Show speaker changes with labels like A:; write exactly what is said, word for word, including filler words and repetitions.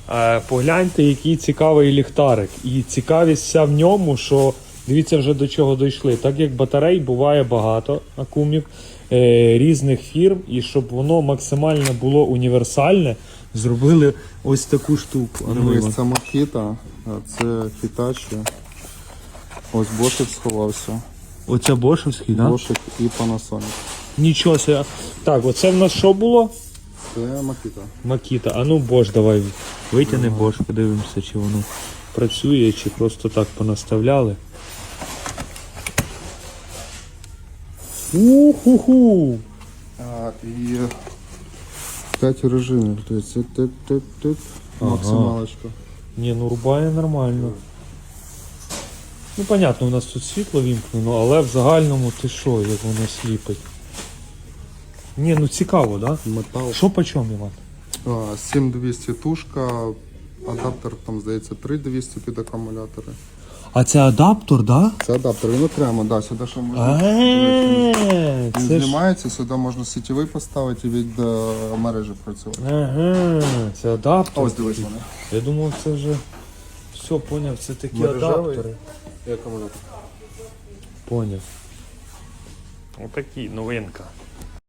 A: Е, погляньте, який цікавий ліхтарик. І цікавість вся в ньому, що дивіться вже до чого дійшли. Так як батарей буває багато акумів е, різних фірм, і щоб воно максимально було універсальне, зробили ось таку штуку. А ну,
B: Ось це Makita, а це Hitachi. Ось Bosch сховався.
A: оце бошевський, так? Да?
B: Bosch і Panasonic.
A: Нічого себе. Так, оце в нас що було?
B: Це Makita.
A: Макіта. А ну Bosch, давай витягни Bosch, подивимося, чи воно працює, чи просто так понаставляли. Уху-ху!
B: А, і п'ять режимів. Тобто це тип-тип-тип.
A: Ага.
B: Максималочка.
A: Ні, ну рубає нормально. Ну, понятно, у нас тут світло вімкнено, але в загальному ти що, як воно сліпить. Ні, ну цікаво, так? Да?
B: Метал.
A: Що по чому, Іван?
B: А, сім двісті тушка, адаптер там, здається, три двісті під акумулятори.
A: А це адаптер, да?
B: Це адаптер, він окремо, да, сюди ще можна.
A: Ага,
B: Він
A: це ж...
B: знімається, сюди можна сітєвий поставити і від е, мережі працювати.
A: Ага, це адаптер.
B: Ось дивись вони.
A: Я думав, це вже все, поняв, це такі
B: Мережевий.
A: адаптери.
B: І акумулятор.
A: Поняв. Отакі, новинка.